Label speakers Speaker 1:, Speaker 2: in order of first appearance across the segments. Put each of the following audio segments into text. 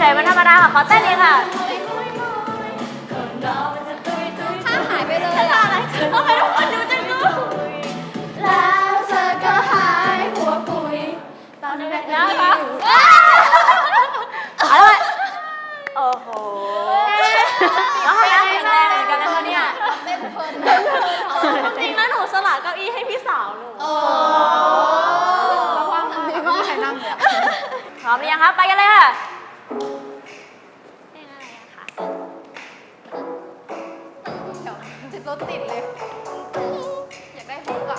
Speaker 1: ฉยๆมันธรรมดาค่ะขอเต้นเลยค่ะ
Speaker 2: ถ้าหายไปเลยอะ
Speaker 1: ทำไมทุกคนดูจังเลย
Speaker 2: แล้วเธอก็หายหัวปุยตอนนี้แบบนี้
Speaker 1: เอาละโอ้โหแล้วให้แข็งแรงเหมือนกันนะคะเนี่ย
Speaker 2: เต้นเพลิน
Speaker 1: จริงนะหนูสละเก้าอี้ให้พี่สาวหนู
Speaker 2: โอ้ระวังดีมากใครนั่งเนี่ย
Speaker 1: พร้อมหรือยังครับไปกันเลยค่ะ
Speaker 2: เดี๋ยวติดรถติดเลย อยากได้ฮุกอะ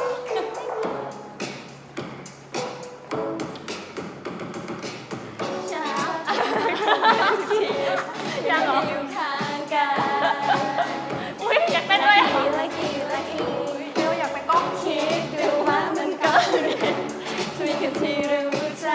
Speaker 1: ยังเหรอ
Speaker 2: อยู่ข้างกัน
Speaker 1: อุ้ยอยากเต้นด้วย
Speaker 2: เดี๋ยวอยากไปกล้องคิดดูว่ามันก็ดีช่วยกันที่รู้ใจ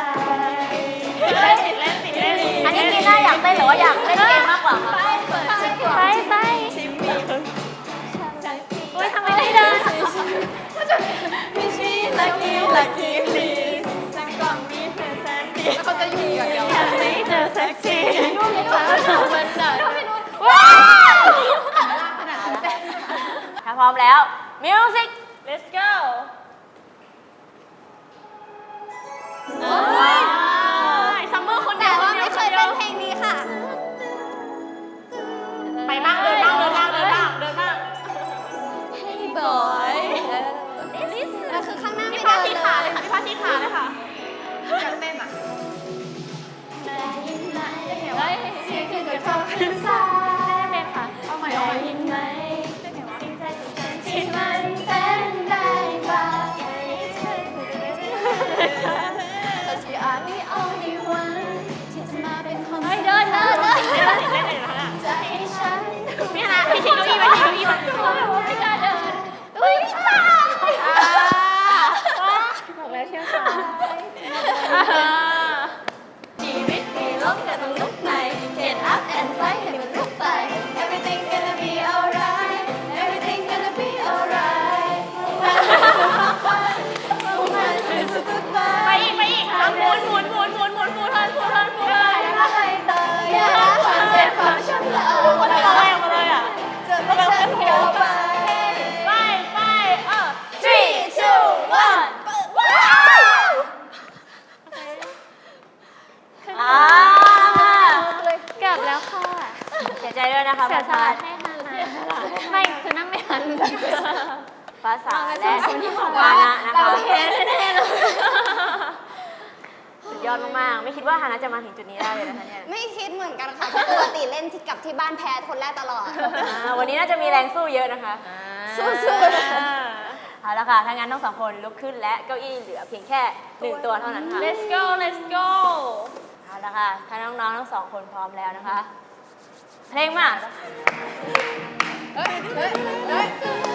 Speaker 1: อันนี้กีน่าอยากเต้นหรือว่าอยากเล่นเกมมากกว่าคะ
Speaker 2: เปิดจังหวะ
Speaker 1: ไป
Speaker 2: ที่มี
Speaker 1: อุ้ยทำไมไม่เดิน
Speaker 2: ไม่ใช่lucky please ฉันก่อนมีเพื่อนแสนดีแล้วเขาจะอยู่อย่างเดียว
Speaker 1: ไม่เจอเซ็กซี่
Speaker 2: มันหนัก
Speaker 1: ว้าว
Speaker 2: ขนาดนั้นแต่
Speaker 1: ถ้าพร้อมแล้วมิวสิก let's go ซัมเมอร์คนเดี
Speaker 2: แต่
Speaker 1: ยว
Speaker 2: ว่าไม่เคยเต้นเพลงนี้ค่ะ
Speaker 1: ไปบ้างเดินบ้างเดินบ้างเดินบ้างเดินบ้าง
Speaker 2: Hey boy แล้วคือข้างหน้าไม่
Speaker 1: พี่
Speaker 2: เดิ
Speaker 1: พาน ที่
Speaker 2: เล
Speaker 1: ขาเลย ยค่ะพี่พาที่ขาเลยค่ะ
Speaker 2: อยากเต้นอ่ะเฮ้ยเสียงคือชอบขึ้นซ้าย
Speaker 1: เป็นค่ะ
Speaker 2: เอาใหม่ยินไหมที่มันเป็นได้บ้างแต่ที่อาจไม่เอาในวันที่จะมาเป็นคนเดินจะให้ฉัน
Speaker 1: พี่ฮะพี่ชิคกี้พายพี่ชิคกี้พาย
Speaker 2: ไม่กล้าเดินอุ้ยตาย
Speaker 1: บอกแล้วเชื่อค่ะ
Speaker 2: ชีวิตมีลบก็ต้องลุกใหม่ Get up and fight ให้มันลุกไป Everything gonna be alright Everything gonna be alright มันคือสุดท้าย
Speaker 1: ไปอีกหมุนเทิน
Speaker 2: อะไรต่ออย่าความเจ็บความช้ำละเอา
Speaker 1: คนละแรงมาเลยอ่ะ
Speaker 2: จะไม่ฉันหัวไป
Speaker 1: ไป
Speaker 2: 3, 2, 1ว้าว
Speaker 1: กลับแล้วค่ะเสียใจด้วยนะคะฟ้าสาไม่คือนั่งไม่ทันฟ้าสาและวานะนะคะสุดยอดมากๆไม่คิดว่าฮานะจะมาถึงจุดนี้ได้เลยนะคะเนี่ย
Speaker 2: ไม่คิดเหมือนกันค่ะปกติเล่นที่กับที่บ้านแพ้คนแรกตลอด
Speaker 1: วันนี้น่าจะมีแรงสู้เยอะนะคะ
Speaker 2: สู้ๆ
Speaker 1: เอาละค่ะถ้างั้นทั้งสองคนลุกขึ้นและเก้าอี้เหลือเพียงแค่1ตัวเท่านั้นค่ะ
Speaker 3: Let's go
Speaker 1: เอาละค่ะถ้าน้องๆทั้งสองคนพร้อมแล้วนะคะ เพลงมา
Speaker 2: เฮ้ย